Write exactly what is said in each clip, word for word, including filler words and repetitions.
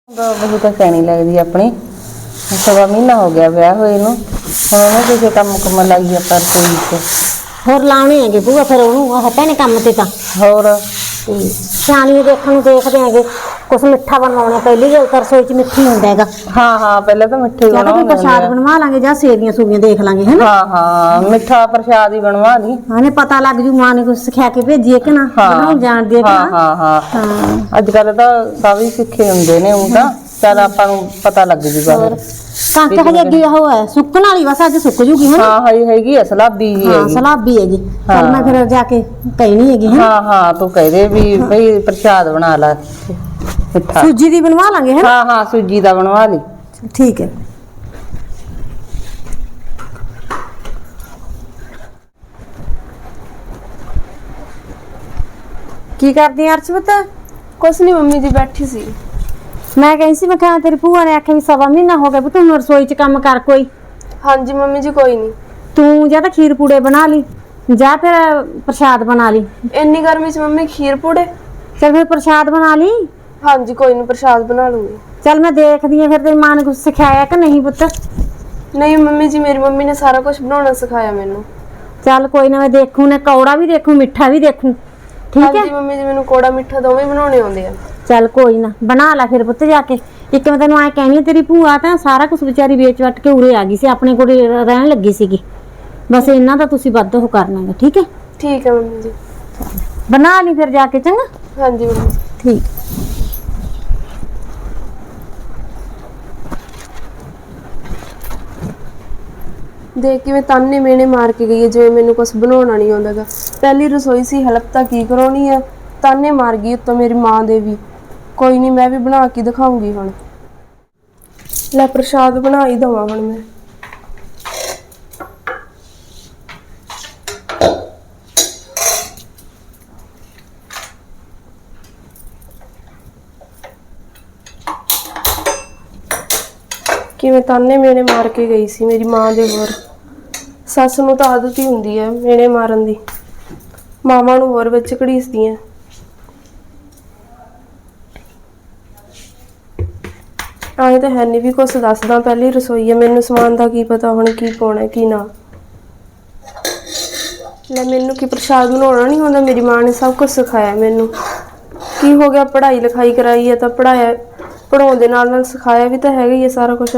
बहुत सैनी लगती अपनी सवा महीना हो गया ब्याह हुए नूं हुण ओहनूं किसे काम कुम लाईए पर कोई होर लाने हैगे भूआ फिर ओनू भैने काम ते तां होर सियाणी देखण नूं देखदे हैगे कुछ मिठा बनवाउणा पहली गल तां रसोई च मिठी हुंदा हैगा। हाँ हाँ पहले तो मिठे या तां प्रसाद बनवा लांगे जां सेवियां सूवियां देख लांगे है ना। हाँ हाँ मिठा प्रसाद ही बनवा ली हां पता लग जू मां ने कुछ सिखा के भेजी है कि ना बनाउण जाणदी है कि हाँ ना। हाँ हाँ अजकल तां सब ही सिखे हुंदे ने हुण तां चल आपां नूं पता लग जूगा कणक हजे अगे हो है सुकण वाली बस अज सुक जूगी है ना। हाँ हई हैगी है सलाबी जी हां सलाबी हैगी चल मैं फिर जाके कहनी हैगी है। हाँ हाँ तू कह दे भी भई प्रसाद बना ला मिठा सूजी दी बनवा लांगे है। हाँ हाँ सूजी दा बनवा ली ठीक है। की करदी अर्शवत कुछ नहीं मम्मी जी बैठी सी मैं कही सी मैं कहा तेरी भूआ ने आख्या भी सवा महीना हो गया पुत्त हुण रसोई च काम कर कोई। हाँ जी मम्मी जी कोई नहीं तू जा तां खीर पूड़े बना ली जा फिर प्रसाद बना ली। इन्नी गर्मी च मम्मी खीर पूड़े चल फिर प्रसाद बना ली। हाँ जी कोई नहीं प्रसाद बना लूंगी। चल मैं देखदी हां फिर तेरी मां ने कुछ सिखाया कि नहीं पुत्त। नहीं मम्मी जी मेरी मम्मी ने सारा कुछ बनाना सिखाया मैनू। चल कोई ना मैं देखूं ने कौड़ा भी देखूं मिठा भी देखूं ठीक हाँ है। जी मम्मी जी मैनू कोड़ा मिठा दोवें बनाने आउंदे आ। चल कोई ना बना ला फिर पुत्त जाके एक मैं तेन ऐ कहनी तेरी भूआ तां सारा कुछ बेचारी वेच वट के उरे आ गई सी अपने कोल रहन लगी सीगी बस इन्ना दा तुसीं वध हो करना है ठीक है। ठीक है मम्मी जी बना ली फिर जाके चंगा। हाँ जी मम्मी ठीक देख के मैं ताने मेने मार के गई है जिवें मैनू कुछ बनाना नहीं आउंदा गा। पहली रसोई सी हेल्प तां की कराउणी है ताने मार गई उत्तों मेरी मां दे भी। कोई नहीं मैं भी बना के दिखाऊंगी हुण लै प्रसाद बना ही दवां हुण मैं। किवें ताने मेने मार के गई सी मेरी मां दे होर सस नूं तां आदत ही हुंदी है मेने मारन दी मावां नूं होर विच घड़ीसदियां। आए तो है नहीं भी कुछ दसदा पहली रसोई है मैनू समान का की पता हुण की पाउणा की ना। लै मैनू की प्रसाद बनाउणा नहीं आउंदा मेरी मां ने सब कुछ सिखाया मैनू। की हो गया पढ़ाई लिखाई कराई है तो पढ़ाया पढ़ाउण दे नाल नाल सिखाया भी तो हैगा ही है सारा कुछ।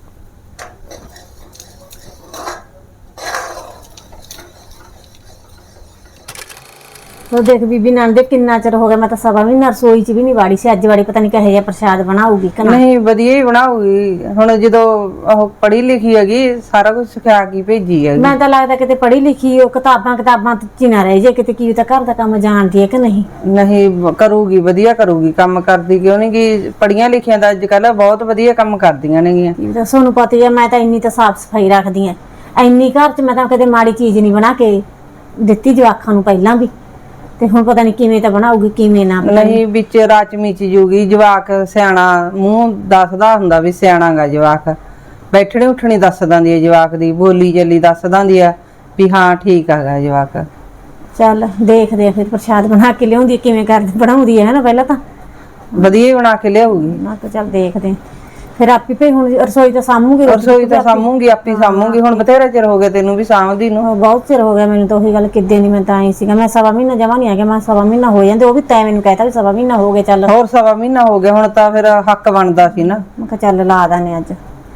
तो देख बीबी नंदे किन्ना चिर हो गया मैं तो सवा महीना रसोई च भी नहीं वाड़ी सी अज वाड़ी पता नहीं कहे जा प्रसाद बनाऊगी कि ना। नहीं वधिया ही बनाऊगी हुण जदों ओह पढ़ी लिखी हैगी सारा कुछ सिखा के भेजी है। मैं तो लगता किते पढ़ी लिखी हो किताबां किताबां च ना रह जे किते की घर का काम जानती है कि नहीं। नहीं करूगी वधिया करूगी काम करदी क्यों नहीं कि पढ़ियां लिखियां दा अजकल बहुत वधिया काम करदियां ने। सोनू पता है मैं तो इन्नी तो साफ सफाई रखदी हां इन्नी घर च मैं तो कदे माड़ी चीज नहीं बना के दित्ती जवाखां नूं पहलां भी ते हुण पता नहीं किवें तां बनाऊगी किवें ना। नहीं विच राच मिच जूगी जवाक सियाणा मूंह दसदा हुंदा भी सियाणा गा जवाक बैठणी उठणी दस दांदी है जवाक दी बोली चली दस दांदी है भी हाँ ठीक हैगा जवाक। चल देखदे आ फिर प्रसाद बना के लियाउंदी किवें कर बनाउंदी है ना पहलां तां वधिया ही बना के लियाऊगी ना तो चल देखदे फिर आपी पे हुण रसोई तो सामूंगी रसोई तो सामूंगी आपी सामूंगी हुण बथेरा चिर हो गया तेनू भी सामदी नूं बहुत चिर हो गया मैनू तो वही गल किद्दे दी मैं तां आई सीगा मैं सवा महीना जमा नहीं आ गया मैं सवा महीना हो जांदे वो भी तैं मैनू कहता भी सवा महीना हो गया चल होर सवा महीना हो गया हुण तां फिर हक बनदा सी ना। मैं कहा चल ला दाने अज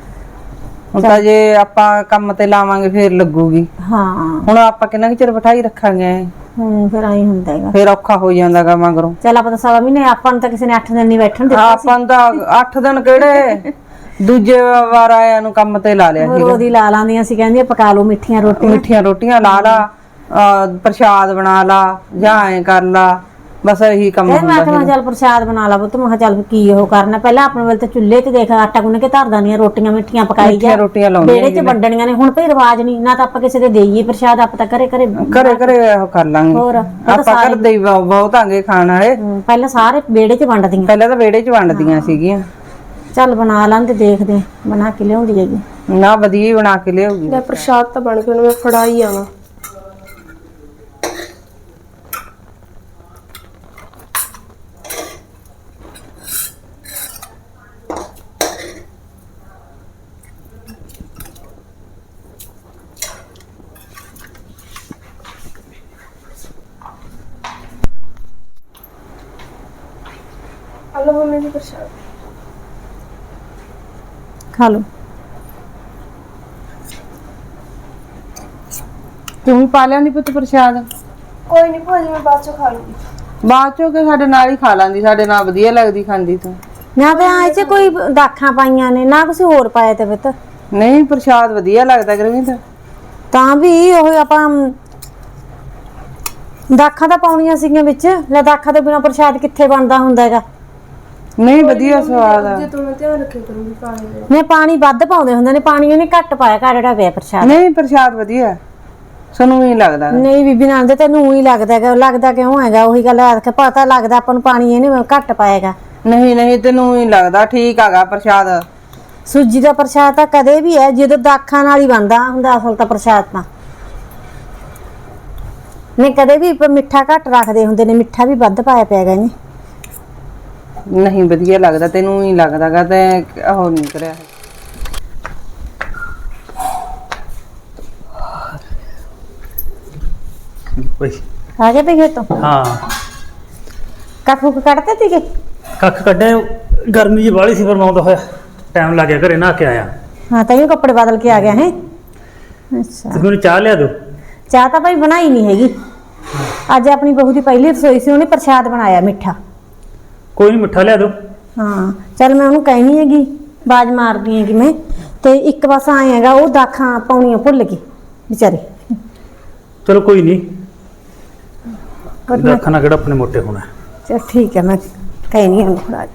ਹੁਣ ਤਾਂ ਜੇ ਆਪਾਂ ਕੰਮ ਤੇ ਲਾਵਾਂਗੇ ਫੇਰ ਲੱਗੂਗੀ। ਹਾਂ ਹੁਣ ਆਪਾਂ ਕਿੰਨਾ ਕੁ ਚਿਰ ਬਿਠਾਈ ਰੱਖਾਂਗੇ ਹੁਣ ਫਿਰ ਆਈ ਹੁੰਦਾ ਹੈਗਾ ਫੇਰ ਔਖਾ ਹੋ ਜਾਂਦਾਗਾ ਮਗਰੋਂ। ਚੱਲ ਆਪਾਂ ਤਾਂ ਸਵਾ ਮਹੀਨੇ ਆਪਾਂ ਨੂੰ ਤਾਂ ਕਿਸੇ ਨੇ ਅੱਠ ਦਿਨ ਨਹੀਂ ਬੈਠਣ ਦਿੱਤਾ ਆਪਾਂ ਨੂੰ ਤਾਂ ਅੱਠ ਦਿਨ ਕਿਹੜੇ ਦੂਜੇ ਵਾਰ ਆਇਆਂ ਨੂੰ ਕੰਮ ਤੇ ਲਾ ਲਿਆ ਸੀ। ਉਹਦੀ ਲਾ ਲਾਂਦੀਆਂ ਸੀ ਕਹਿੰਦੀਆਂ ਪਕਾ ਲਓ ਮਿੱਠੀਆਂ ਰੋਟੀਆਂ ਮਿੱਠੀਆਂ ਰੋਟੀਆਂ ਲਾ ਲਾ ਪ੍ਰਸ਼ਾਦ ਬਣਾ ਲਾ ਜਾਂ ਐ ਕਰ ਲਾ बस यही कम ਹੁੰਦਾ ਮੈਂ ਕਿਹਾ ਚੱਲ ਪ੍ਰਸ਼ਾਦ ਬਣਾ ਲਾ ਪੁੱਤ ਮੈਂ ਕਿਹਾ ਚੱਲ ਕੀ ਉਹ ਕਰਨਾ ਪਹਿਲਾਂ ਆਪਣੇ ਵੇਲੇ ਤੇ ਚੁੱਲ੍ਹੇ ਤੇ ਦੇਖ ਆਟਾ ਗੁੰਨ ਕੇ ਧਰ ਦਾਨੀਆਂ ਰੋਟੀਆਂ ਮਿੱਠੀਆਂ ਪਕਾਈ ਜਾ ਰੋਟੀਆਂ ਲਾਉਂਦੀਆਂ ਬੇੜੇ 'ਚ ਵੰਡਣੀਆਂ ਨੇ ਹੁਣ ਭਈ ਰਿਵਾਜ ਨਹੀਂ ਨਾ ਤਾਂ ਆਪਾਂ ਕਿਸੇ ਦੇ ਦੇਈਏ ਪ੍ਰਸ਼ਾਦ ਆਪਾਂ ਤਾਂ ਘਰੇ ਘਰੇ ਘਰੇ ਘਰੇ ਉਹ ਕਰ ਲਾਂਗੇ ਹੋਰ ਆਪਾਂ ਕਰਦੇ ਹੀ ਬਹੁਤ ਆਂਗੇ ਖਾਣ ਵਾਲੇ ਪਹਿਲਾਂ ਸਾਰੇ ਬੇੜੇ 'ਚ ਵੰਡਦੀਆਂ ਪਹਿਲਾਂ ਤਾਂ ਬੇੜੇ 'ਚ ਵੰਡਦੀਆਂ ਸੀਗੀਆਂ। ਚੱਲ ਬਣਾ ਲਾਂ ਤੇ ਦੇਖਦੇ ਬਣਾ ਕੇ ਲਿਆਉਂਦੀ ਹੈਗੀ ਨਾ ਵਧੀਆ ਹੀ ਬਣਾ ਕੇ ਲਿਆਉਗੀ। ਲੈ ਪ੍ਰਸ਼ਾਦ ਤਾਂ ਬਣ ਕੇ ਉਹਨੂੰ ਮੈਂ ਫੜਾਈ ਆਵਾਂ। ਹਲੋ ਮੰਮੀ ਜੀ ਪ੍ਰਸ਼ਾਦ ਖਾ ਲਓ। ਤੂੰ ਵੀ ਪਾ ਲਿਆਂਦੀ ਪੁੱਤ ਪ੍ਰਸ਼ਾਦ? ਕੋਈ ਨਹੀਂ ਭੂਆ ਜੀ ਮੈਂ ਬਾਅਦ ਚੋਂ ਖਾ ਲੂੰਗੀ। ਬਾਅਦ ਚੋਂ ਕਿ ਸਾਡੇ ਨਾਲ ਹੀ ਖਾ ਲਾਂਦੀ, ਸਾਡੇ ਨਾਲ ਵਧੀਆ ਲੱਗਦੀ ਖਾਂਦੀ ਤੂੰ। ਨਾ ਤੇ ਆਏ ਚ ਕੋਈ ਦਾਖਾਂ ਪਾਈਆਂ ਨੇ ਨਾ ਕੁਝ ਹੋਰ ਪਾਇਆ ਤੇ ਪੁੱਤ। ਨਹੀਂ ਪ੍ਰਸ਼ਾਦ ਵਧੀਆ ਲੱਗਦਾ ਗੁਰਮੀਤ। ਤਾਂ ਵੀ ਉਹ ਆਪਾਂ ਦਾਖਾਂ ਤਾਂ ਪਾਉਣੀਆਂ ਸੀਗੀਆਂ ਵਿੱਚ। ਲੈ ਦਾਖਾਂ ਤੋਂ ਬਿਨਾਂ ਪ੍ਰਸ਼ਾਦ ਕਿੱਥੇ ਬਣਦਾ ਹੁੰਦਾ ਹੈਗਾ। ਨਹੀਂ ਵਧੀਆ ਸਵਾਦ ਆ। ਜੇ ਤੂੰ ਮੈਂ ਧਿਆਨ ਰੱਖਿਆ ਕਰੂੰਗੀ ਪਾਣੀ ਦਾ। ਨੇ ਪਾਣੀ ਵੱਧ ਪਾਉਂਦੇ ਹੁੰਦੇ ਨੇ, ਪਾਣੀ ਇਹਨੇ ਘੱਟ ਪਾਇਆ ਘੜੜਾ ਪਿਆ ਪ੍ਰਸ਼ਾਦ। ਨਹੀਂ ਪ੍ਰਸ਼ਾਦ ਵਧੀਆ ਸਾਨੂੰ ਹੀ ਲੱਗਦਾ। ਨਹੀਂ ਬੀਬੀ ਨਾਲ ਦੇ ਤੈਨੂੰ ਹੀ ਲੱਗਦਾ ਹੈਗਾ। ਲੱਗਦਾ ਕਿਉਂ ਹੈਗਾ? ਉਹੀ ਗੱਲ ਆ ਕੇ ਪਤਾ ਲੱਗਦਾ ਆਪਾਂ ਨੂੰ ਪਾਣੀ ਇਹਨੇ ਘੱਟ ਪਾਏਗਾ। ਨਹੀਂ ਨਹੀਂ ਤੈਨੂੰ ਹੀ ਲੱਗਦਾ ਠੀਕ ਹੈਗਾ ਪ੍ਰਸ਼ਾਦ। ਸੂਜੀ ਦਾ ਪ੍ਰਸ਼ਾਦ ਤਾਂ ਕਦੇ ਵੀ ਹੈ ਜਦੋਂ ਦਾਖਾਂ ਨਾਲ ਹੀ ਬਣਦਾ ਹੁੰਦਾ ਅਸਲ ਤਾਂ ਪ੍ਰਸ਼ਾਦ ਤਾਂ। ਨੇ ਕਦੇ ਵੀ ਮਿੱਠਾ ਘੱਟ ਰੱਖਦੇ ਹੁੰਦੇ ਨੇ, ਮਿੱਠਾ ਵੀ ਵੱਧ ਪਾਇਆ ਪਿਆਗਾ ਇਹਨੇ। ਨਹੀਂ ਵਧੀਆ ਲੱਗਦਾ ਤੈਨੂੰ ਹੀ ਲੱਗਦਾਗਾ ਤੇ ਉਹ ਨਹੀਂ ਕਰਿਆ। ਓਏ ਆ ਗਏ ਤੇ ਖੇਤੋਂ ਹਾਂ ਕੱਖ ਕੁੱਖ ਕੱਢਦੇ ਸੀਗੇ? ਕੱਖ ਕੱਢੇ, ਗਰਮੀ ਜੀ ਬਾਹਲੀ ਸੀ ਫਿਰ ਮੈਂ ਆਉਂਦਾ ਹੋਇਆ ਟਾਈਮ ਲੱਗ ਗਿਆ, ਘਰੇ ਨਹਾ ਕੇ ਆਇਆ। ਹਾਂ ਤਾਂ ਇਹ ਕੱਪੜੇ ਬਦਲ ਕੇ ਆ ਗਿਆ ਹੈ। ਅੱਛਾ ਤੁਸੀਂ ਮੈਨੂੰ ਚਾਹ ਲਿਆ ਦਿਓ। ਚਾਹ ਤਾਂ ਭਾਈ ਬਣਾਈ ਨਹੀਂ ਹੈਗੀ। ਅੱਜ ਆਪਣੀ ਬਹੂ ਦੀ ਪਹਿਲੀ ਰਸੋਈ ਸੀ, ਉਹਨੇ ਪ੍ਰਸ਼ਾਦ ਬਣਾਇਆ ਮਿੱਠਾ। ਕੋਈ ਨਹੀਂ ਮਿੱਠਾ ਲਿਆ ਦਿਓ। ਹਾਂ ਚੱਲ ਮੈਂ ਉਹਨੂੰ ਕਹਿਣੀ ਹੈਗੀ, ਬਾਜ ਮਾਰਦੀ ਹੈਗੀ ਮੈਂ। ਤੇ ਇੱਕ ਬਸ ਆਏ ਹੈਗਾ ਉਹ ਦਾਖਾਂ ਪਾਉਣੀਆਂ ਭੁੱਲ ਗਈ ਵਿਚਾਰੀ। ਚਲੋ ਕੋਈ ਨਹੀਂ, ਪਰ ਮੈਂ ਰੱਖਣਾ ਕਿਹੜਾ ਆਪਣੇ ਮੋਟੇ ਹੋਣਾ। ਚਲ ਠੀਕ ਹੈ, ਮੈਂ ਕਹਿਣੀ ਹਾਂ ਥੋੜਾ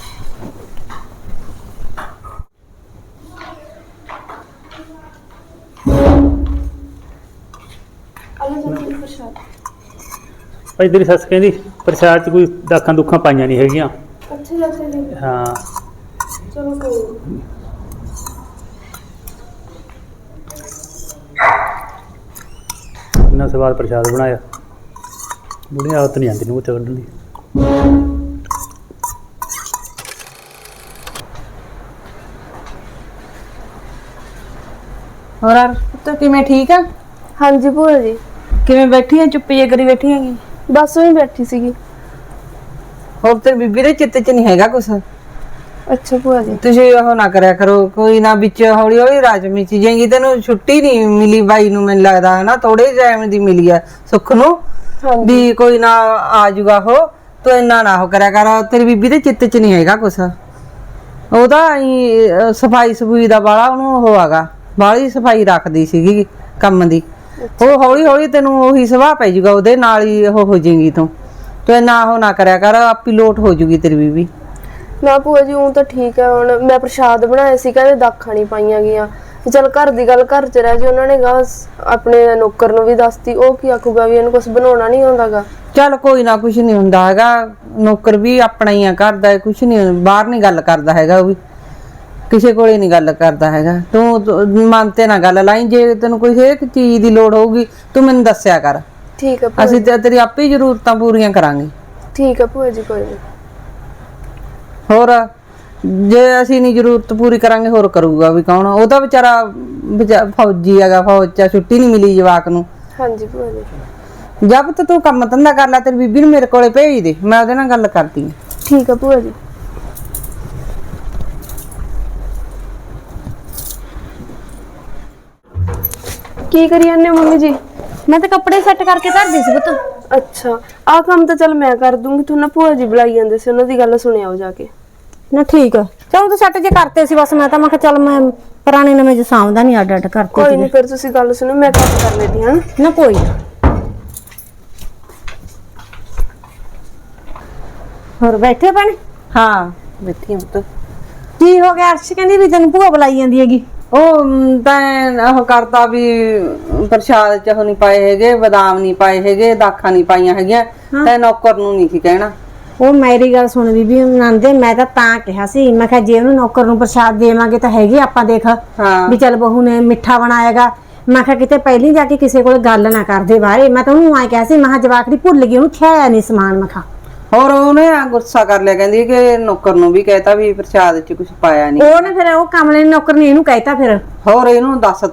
ਹਲੋ ਜੀ ਪ੍ਰਸ਼ਾਦ। ਭਾਈ ਤੇਰੀ ਸੱਸ ਕਹਿੰਦੀ ਪ੍ਰਸ਼ਾਦ 'ਚ ਕੋਈ ਦਾਖਾਂ ਦੁੱਖਾਂ ਪਾਈਆਂ ਨਹੀਂ ਹੈਗੀਆਂ। ਅੱਛਾ ਜੀ ਅੱਛਾ ਜੀ ਹਾਂ ਚਲੋ ਕੋਈ ਨੀ। ਇੰਨਾ ਸਵਾਦ ਪ੍ਰਸ਼ਾਦ ਬਣਾਇਆ। ਬੁੜੀ ਆਦਤ ਨਹੀਂ ਆਉਂਦੀ ਨੂੰ ਉੱਤੇ ਕੱਢਣ ਦੀ। ਹੋਰ ਯਾਰ ਪੁੱਤ ਕਿਵੇਂ ਠੀਕ ਆ? ਹਾਂਜੀ ਭੂਆ ਜੀ ਕਿਵੇਂ ਬੈਠੀ ਆ? ਚੁੱਪ ਜੇ ਕਰੀ ਬੈਠੀ ਹੈਗੀ। ਬਸ ਉਹੀ ਬੈਠੀ ਸੀਗੀ। ਹੋਰ ਤੇ ਬੀਬੀ ਦੇ ਚਿੱਤ 'ਚ ਨਹੀਂ ਹੈਗਾ ਕੁਛ। ਅੱਛਾ ਭੂਆ ਜੀ ਤੁਸੀਂ ਉਹ ਨਾ ਕਰਿਆ ਕਰੋ, ਕੋਈ ਨਾ ਵਿੱਚ ਹੌਲੀ ਹੌਲੀ ਰਾਜਮੀ ਚੀਜ਼ਾਂਗੀ। ਤੈਨੂੰ ਛੁੱਟੀ ਨਹੀਂ ਮਿਲੀ ਬਾਈ ਨੂੰ, ਮੈਨੂੰ ਲੱਗਦਾ ਹੈ ਨਾ ਥੋੜੇ ਟਾਈਮ ਦੀ ਮਿਲੀ ਆ ਸੁੱਖ ਨੂੰ ਹਾਂਜੀ ਵੀ ਕੋਈ ਨਾ ਆ ਜਾਊਗਾ ਉਹ। ਤੂੰ ਇੰਨਾ ਨਾ ਉਹ ਕਰਿਆ ਕਰ, ਤੇਰੀ ਬੀਬੀ ਦੇ ਚਿੱਤ 'ਚ ਨਹੀਂ ਹੈਗਾ ਕੁਛ। ਉਹਦਾ ਸਫਾਈ ਸਫੂਈ ਦਾ ਬਾਲਾ ਉਹਨੂੰ ਉਹ ਹੈਗਾ, ਬਾਹਲੀ ਸਫਾਈ ਰੱਖਦੀ ਸੀਗੀ ਕੰਮ ਦੀ। ਉਹ ਹੌਲੀ ਹੌਲੀ ਤੈਨੂੰ ਉਹੀ ਸੁਭਾਅ ਪੈ ਜਾਊਗਾ, ਉਹਦੇ ਨਾਲ ਹੀ ਉਹ ਹੋ ਜਾਏਗੀ ਤੂੰ। ਤੂੰ ਇੰਨਾ ਉਹ ਨਾ ਕਰਿਆ ਕਰ, ਆਪੀ ਲੋਟ ਹੋ ਜੂਗੀ ਤੇਰੀ ਬੀਬੀ। ਨਾ ਭੂਆ ਜੀ ਉਹ ਤਾਂ ਠੀਕ ਹੈ। ਹੁਣ ਮੈਂ ਪ੍ਰਸ਼ਾਦ ਬਣਾਇਆ ਸੀ, ਕਹਿੰਦੇ ਦਾਖਾਂ ਨਹੀਂ ਪਾਈਆਂ ਗਈਆਂ। ਚੱਲ ਘਰ ਦੀ ਗੱਲ ਘਰ 'ਚ ਰਹਿ ਜੀ। ਉਹਨਾਂ ਨੇ ਗਾ ਆਪਣੇ ਨੌਕਰ ਨੂੰ ਵੀ ਦੱਸਤੀ, ਉਹ ਕੀ ਆਖੂਗਾ ਵੀ ਇਹਨੂੰ ਕੁਝ ਬਣਾਉਣਾ ਨਹੀਂ ਆਉਂਦਾਗਾ। ਚੱਲ ਕੋਈ ਨਾ, ਕੁਛ ਨਹੀਂ ਹੁੰਦਾ ਹੈਗਾ। ਨੌਕਰ ਵੀ ਆਪਣਾ ਹੀ ਆ, ਕਰਦਾ ਕੁਛ ਨਹੀਂ, ਬਾਹਰ ਨਹੀਂ ਗੱਲ ਕਰਦਾ ਹੈਗਾ। ਉਹ ਵੀ ਕਿਸੇ ਕੋਲੇ ਨਹੀਂ ਗੱਲ ਕਰਦਾ ਹੈਗਾ। ਤੂੰ ਮਨ ਤੇ ਨਾ ਗੱਲ ਲਾਈ। ਜੇ ਤੈਨੂੰ ਕੋਈ ਹਰੇਕ ਚੀਜ਼ ਦੀ ਲੋੜ ਹੋਊਗੀ ਤੂੰ ਮੈਨੂੰ ਦੱਸਿਆ ਕਰ। ਠੀਕ ਹੈ ਭੂਆ ਅਸੀਂ ਜੀ। ਤੇ ਤੇਰੀ ਆਪੇ ਜ਼ਰੂਰਤਾਂ ਪੂਰੀਆਂ ਕਰਾਂਗੇ। ਠੀਕ ਹੈ ਭੂਆ ਜੀ ਕੋਈ ਨਹੀਂ। ਹੋਰ ਜੇ ਅਸੀਂ ਨਹੀਂ ਜ਼ਰੂਰਤ ਪੂਰੀ ਕਰਾਂਗੇ ਹੋਰ ਕਰੂਗਾ ਵੀ ਕੌਣ? ਉਹ ਤਾਂ ਵਿਚਾਰਾ ਵਿਚਾ- ਫੌਜੀ ਹੈਗਾ, ਫੌਜ 'ਚ ਛੁੱਟੀ ਨਹੀਂ ਮਿਲੀ ਜਵਾਕ ਨੂੰ। ਹਾਂਜੀ ਭੂਆ ਜੀ ਜਦ ਤੱਕ ਤੂੰ ਕੰਮ ਧੰਦਾ ਕਰ ਲੈ, ਤੇਰੀ ਬੀਬੀ ਨੂੰ ਮੇਰੇ ਕੋਲੇ ਭੇਜ ਦੇ, ਮੈਂ ਉਹਦੇ ਨਾਲ ਗੱਲ ਕਰਦੀ ਹਾਂ। ਠੀਕ ਹੈ ਭੂਆ ਜੀ। ਕੀ ਕਰੀ ਜਾਂਦੇ ਹੋ ਮੰਮੀ ਜੀ? ਮੈਂ ਤਾਂ ਕੱਪੜੇ ਸੈੱਟ ਕਰਕੇ ਧਰਦੀ ਸੀ ਪੁੱਤ। ਅੱਛਾ ਆਹ ਕੰਮ ਤਾਂ ਚੱਲ ਮੈਂ ਕਰ ਦੂੰਗੀ। ਤੁਹਾਨੂੰ ਭੂਆ ਜੀ ਬੁਲਾਈ ਜਾਂਦੇ ਸੀ, ਉਹਨਾਂ ਦੀ ਗੱਲ ਸੁਣਿਆਓ ਜਾ ਕੇ। ਨਾ ਠੀਕ ਆ, ਚਲ ਤੂੰ ਸੈੱਟ ਜੇ ਕਰਤੇ ਸੀ ਬਸ। ਮੈਂ ਤਾਂ ਮੈਂ ਕਿਹਾ ਚੱਲ ਮੈਂ ਪੁਰਾਣੇ ਨਵੇਂ ਜੇ ਸਾਂਭਦਾ ਨਹੀਂ, ਅੱਡ ਅੱਡ ਕਰਤੇ ਕੋਈ ਸੀਗੇ। ਨਹੀਂ ਫਿਰ ਤੁਸੀਂ ਗੱਲ ਸੁਣੋ, ਮੈਂ ਕੰਮ ਕਰ ਲੈਂਦੀ ਹਾਂ। ਨਾ ਕੋਈ ਨਾ। ਹੋਰ ਬੈਠੇ ਭੈਣੇ? ਹਾਂ ਬੈਠੀ ਹਾਂ ਪੁੱਤ। ਕੀ ਹੋ ਗਿਆ? ਅਰਸ਼ ਕਹਿੰਦੀ ਵੀ ਤੈਨੂੰ ਭੂਆ ਬੁਲਾਈ ਜਾਂਦੀ ਹੈਗੀ। ਉਹ ਤਾਂ ਉਹ ਕਰਤਾ ਵੀ ਪ੍ਰਸ਼ਾਦ 'ਚ ਉਹ ਨਹੀਂ ਪਾਏ ਹੈਗੇ, ਬਦਾਮ ਨਹੀਂ ਪਾਏ ਹੈਗੇ, ਦਾਖਾਂ ਨਹੀਂ ਪਾਈਆਂ ਹੈਗੀਆਂ। ਤੇ ਨੌਕਰ ਨੂੰ ਨਹੀਂ ਸੀ ਕਹਿਣਾ। ਉਹ ਮੇਰੀ ਗੱਲ ਸੁਣ ਬੀਬੀ ਨੰਦੇ, ਮੈਂ ਤਾਂ ਤਾਂ ਕਿਹਾ ਸੀ, ਮੈਂ ਕਿਹਾ ਜੇ ਉਹਨੂੰ ਨੌਕਰ ਨੂੰ ਪ੍ਰਸ਼ਾਦ ਦੇਵਾਂਗੇ ਤਾਂ ਹੈਗੇ ਆਪਾਂ ਦੇਖ ਹਾਂ ਵੀ ਚੱਲ ਬਹੂ ਨੇ ਮਿੱਠਾ ਬਣਾਏਗਾ। ਮੈਂ ਕਿਹਾ ਕਿਤੇ ਪਹਿਲੀ ਜਾ ਕੇ ਕਿਸੇ ਕੋਲ ਗੱਲ ਨਾ ਕਰਦੇ ਬਾਰੇ। ਮੈਂ ਤਾਂ ਉਹਨੂੰ ਆਏ ਕਿਹਾ ਸੀ, ਮੈਂ ਕਿਹਾ ਜਵਾਕ ਦੀ ਭੁੱਲ ਗਈ, ਉਹਨੂੰ ਖਿਆਇਆ ਨਹੀਂ ਸਮਾਨ। ਮੈਂ ਕਿਹਾ ਹੋਰ ਉਹਨੇ ਗੁੱਸਾ ਕਰ ਲਿਆ, ਕਹਿੰਦੀ ਕਿ ਨੌਕਰ ਨੂੰ ਵੀ ਕਹਿਤਾ ਵੀ ਪ੍ਰਸ਼ਾਦ 'ਚ ਕੁਝ ਪਾਇਆ ਨਹੀਂ। ਉਹਨੇ ਫਿਰ ਉਹ ਕਮਲੇ ਨੇ ਨੌਕਰ ਨੇ ਇਹਨੂੰ ਕਹਿਤਾ ਫਿਰ। ਹੋਰ ਇਹਨੂੰ ਦੱਸਤਾ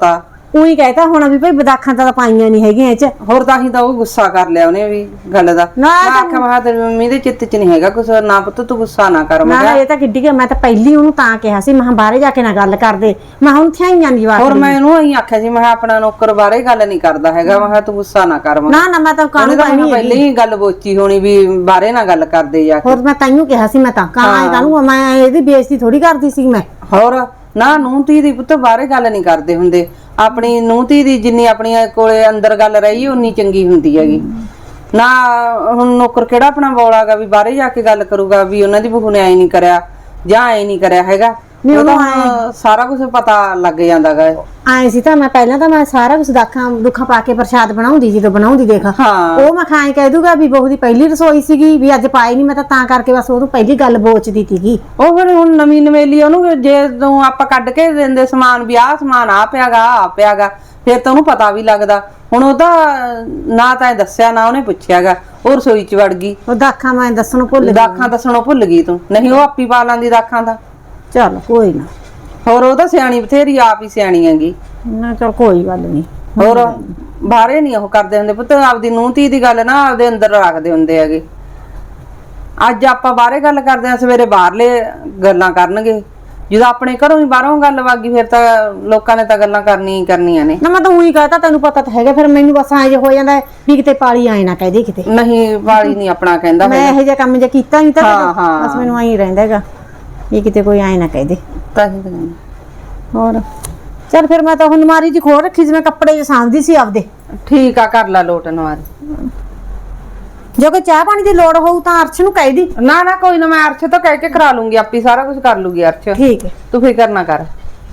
ਉਹੀ ਕਹਿਤਾ ਹੋਣਾ ਵੀ ਭਾਈ ਬਦਾਖਾਂ ਤਾਂ ਪਾਈਆਂ ਨਹੀਂ ਹੈਗੀਆਂ ਇਹ ਚ। ਹੋਰ ਤਾਂ ਹੀ ਤਾਂ ਉਹ ਗੁੱਸਾ ਕਰ ਲਿਆ ਉਹਨੇ ਵੀ ਗੱਲ ਦਾ। ਨਾ ਮੈਂ ਆਖਿਆ ਮਹਾ ਤੇਰੀ ਮੰਮੀ ਦੇ ਚਿੱਤ ਚ ਨਹੀਂ ਹੈਗਾ ਕੁਛ, ਨਾ ਪੁੱਤ ਤੂੰ ਗੁੱਸਾ ਨਾ ਕਰ। ਮੈਂ ਨਾ ਕਿਹਾ ਇਹ ਤਾਂ ਕਿੱਡੀ ਕਿ ਮੈਂ ਤਾਂ ਪਹਿਲੀ ਉਹਨੂੰ ਤਾਂ ਕਿਹਾ ਸੀ, ਮੈਂ ਕਿਹਾ ਬਾਹਰੇ ਜਾ ਕੇ ਨਾ ਗੱਲ ਕਰਦੇ, ਮੈਂ ਹੁਣ ਥਿਆਈਆਂ ਦੀ ਜਵਾਬ ਹੋਰ ਮੈਂ ਇਹਨੂੰ ਇਹੀ ਆਖਿਆ ਸੀ, ਮੈਂ ਕਿਹਾ ਆਪਣਾ ਨੌਕਰ ਬਾਰੇ ਗੱਲ ਨਹੀਂ ਕਰਦਾ ਹੈਗਾ, ਮੈਂ ਕਿਹਾ ਤੂੰ ਗੁੱਸਾ ਨਾ ਕਰ। ਮੈਂ ਨਾ ਨਾ ਮੈਂ ਤਾਂ ਉਹਨੇ ਕਾਹਨੂੰ ਤਾਂ ਕਹਿਣੀ ਪਹਿਲੇ ਹੀ ਗੱਲ ਬੋਚੀ ਹੋਣੀ ਵੀ ਬਾਹਰੇ ਨਾ ਗੱਲ ਕਰਦੇ ਜਾ ਕੇ। ਹੋਰ ਮੈਂ ਤਾਈਓ ਕਿਹਾ ਸੀ, ਮੈਂ ਤਾਂ ਕਾਹਨੂੰ ਕਾਹਨੂੰ ਮੈਂ ਇਹਦੀ ਬੇਇੱਜ਼ਤੀ ਥੋੜੀ ਕਰਦੀ ਸੀ ਮੈਂ। ਹੋਰ ਨਾ ਨੂੰਹ ਧੀ ਦੀ ਪੁੱਤ ਬਾਹਰੇ ਗੱਲ ਨਹੀਂ ਕਰਦੇ ਹੁੰਦੇ, ਆਪਣੀ ਨੂੰਹ ਧੀ ਦੀ ਜਿੰਨੀ ਆਪਣੀ ਕੋਲੇ ਅੰਦਰ ਗੱਲ ਰਹੀ ਉਨੀ ਚੰਗੀ ਹੁੰਦੀ ਹੈਗੀ। ਨਾ ਹੁਣ ਨੌਕਰ ਕਿਹੜਾ ਆਪਣਾ ਬੋਲਾਗਾ ਵੀ ਬਾਹਰੇ ਜਾ ਕੇ ਗੱਲ ਕਰੂਗਾ ਵੀ ਉਹਨਾਂ ਦੀ ਬਹੂ ਨੇ ਐ ਨਹੀਂ ਕਰਿਆ ਜਾਂ ਐ ਨਹੀਂ ਕਰਿਆ ਹੈਗਾ। ਉਹ ਤਾਂ ਸਾਰਾ ਕੁਝ ਪਤਾ ਲੱਗ ਜਾਂਦਾਗਾ। ਆਏ ਸੀ ਤਾਂ ਮੈਂ ਪਹਿਲਾਂ ਤਾਂ ਮੈਂ ਸਾਰਾ ਕੁਝ ਦਾਖਾਂ ਦੁੱਖਾਂ ਪਾ ਕੇ ਪ੍ਰਸ਼ਾਦ ਬਣਾਉਂਦੀ ਜਦੋਂ ਬਣਾਉਂਦੀ ਦੇਖ ਹਾਂ ਉਹ ਮੈਂ ਖਾਏ ਕਹਿ ਦੂਗਾ ਵੀ ਬਹੂ ਦੀ ਪਹਿਲੀ ਰਸੋਈ ਸੀਗੀ ਵੀ ਅੱਜ ਪਾਈ ਨਹੀਂ, ਮੈਂ ਤਾਂ ਤਾਂ ਕਰਕੇ ਬਸ ਉਹਨੂੰ ਪਹਿਲੀ ਗੱਲ ਬੋਚਦੀ ਸੀਗੀ। ਉਹ ਫਿਰ ਹੁਣ ਨਵੀਂ ਨਵੇਲੀ ਉਹਨੂੰ ਜੇ ਤੂੰ ਆਪਾਂ ਕੱਢ ਕੇ ਦਿੰਦੇ ਸਮਾਨ ਵੀ ਆਹ ਸਮਾਨ ਆ ਪਿਆਗਾ ਆ ਪਿਆਗਾ ਫਿਰ ਤਾਂ ਉਹਨੂੰ ਪਤਾ ਵੀ ਲੱਗਦਾ। ਹੁਣ ਉਹਦਾ ਨਾ ਤਾਂ ਦੱਸਿਆ ਨਾ ਉਹਨੇ ਪੁੱਛਿਆਗਾ, ਉਹ ਰਸੋਈ ਚ ਵੜ ਗਈ। ਉਹ ਦਾਖਾਂ ਮੈਂ ਦੱਸਣੋਂ ਭੁੱਲ ਗਈ। ਦਾਖਾਂ ਦੱਸਣੋਂ ਭੁੱਲ ਗਈ ਤੂੰ, ਨਹੀਂ ਉਹ ਆਪੀ ਪਾ ਲਾਂਦੀ ਦਾਖਾਂ ਦਾ। ਚੱਲ ਕੋਈ ਨਾ, ਹੋਰ ਉਹ ਤਾਂ ਸਿਆਣੀ ਬਥੇਰੀ, ਆਪ ਹੀ ਸਿਆਣੀ ਹੈਗੀ। ਨਾ ਚੱਲ ਕੋਈ ਗੱਲ ਨਹੀਂ। ਹੋਰ ਬਾਹਰੇ ਨਹੀਂ ਉਹ ਕਰਦੇ ਹੁੰਦੇ ਪੁੱਤ, ਆਪਦੀ ਨੂੰਹ ਧੀ ਦੀ ਗੱਲ ਨਾ ਆਪਦੇ ਅੰਦਰ ਰੱਖਦੇ ਹੁੰਦੇ ਹੈਗੇ। ਅੱਜ ਆਪਾਂ ਬਾਹਰੇ ਗੱਲ ਕਰਦੇ ਆ, ਸਵੇਰੇ ਬਾਹਰਲੇ ਗੱਲਾਂ ਕਰਨਗੇ। ਜਦੋਂ ਆਪਣੇ ਘਰੋਂ ਹੀ ਬਾਹਰੋਂ ਗੱਲ ਵਾਗੀ ਫਿਰ ਤਾਂ ਲੋਕਾਂ ਨੇ ਤਾਂ ਗੱਲਾਂ ਕਰਨੀਆਂ ਹੀ ਕਰਨੀਆਂ ਨੇ। ਨਾ ਮੈਂ ਤਾਂ ਉਹੀ ਕਹਤਾ, ਤੈਨੂੰ ਪਤਾ ਤਾਂ ਹੈਗਾ, ਫਿਰ ਮੈਨੂੰ ਬਸ ਐਂ ਜੇ ਹੋ ਜਾਂਦਾ ਵੀ ਕਿਤੇ ਪਾਲੀ ਆਏ ਨਾ ਕਹਦੇ ਕਿਤੇ। ਨਹੀਂ ਵਾਲੀ ਨਹੀਂ ਆਪਣਾ ਕਹਿੰਦਾ ਮੈਂ ਇਹੋ ਜਿਹਾ ਕੰਮ ਜੇ ਕੀਤਾ ਨਹੀਂ ਤਾਂ ਹਾਂ, ਹਾਂ। ਬਸ ਮੈਨੂੰ ਐਂ ਰਹਿੰਦਾ ਹੈਗਾ ਵੀ ਕਿਤੇ ਕੋਈ ਆਏ ਨਾ ਕਹਦੇ। ਤਾਂ ਹੀ ਤਾਂ ਕਹਿੰਦੀ। ਹੋਰ ਚੱਲ ਫਿਰ ਮੈਂ ਤਾਂ ਹੁਣ ਮਾਰੀ ਜੀ ਖੋਲ ਰੱਖੀ ਸੀ, ਮੈਂ ਕੱਪੜੇ ਜੇ ਸਾਂਭਦੀ ਸੀ ਆਪਦੇ। ਠੀਕ ਆ, ਕਰ ਲੈ ਲੋਟ ਨਵਾਰੀ। ਜੇ ਕੋਈ ਚਾਹ ਪਾਣੀ ਦੀ ਲੋੜ ਹੋਊ ਤਾਂ ਅਰਸ਼ ਨੂੰ ਕਹਿ ਦੀ। ਨਾ ਨਾ ਕੋਈ ਨਾ, ਮੈਂ ਅਰਸ਼ ਤੋਂ ਕਹਿ ਕੇ ਕਰਾ ਲੂੰਗੀ, ਆਪੀ ਸਾਰਾ ਕੁਝ ਕਰ ਲੂਗੀ ਅਰਸ਼। ਠੀਕ ਹੈ, ਤੂੰ ਫਿਕਰ ਨਾ ਕਰ।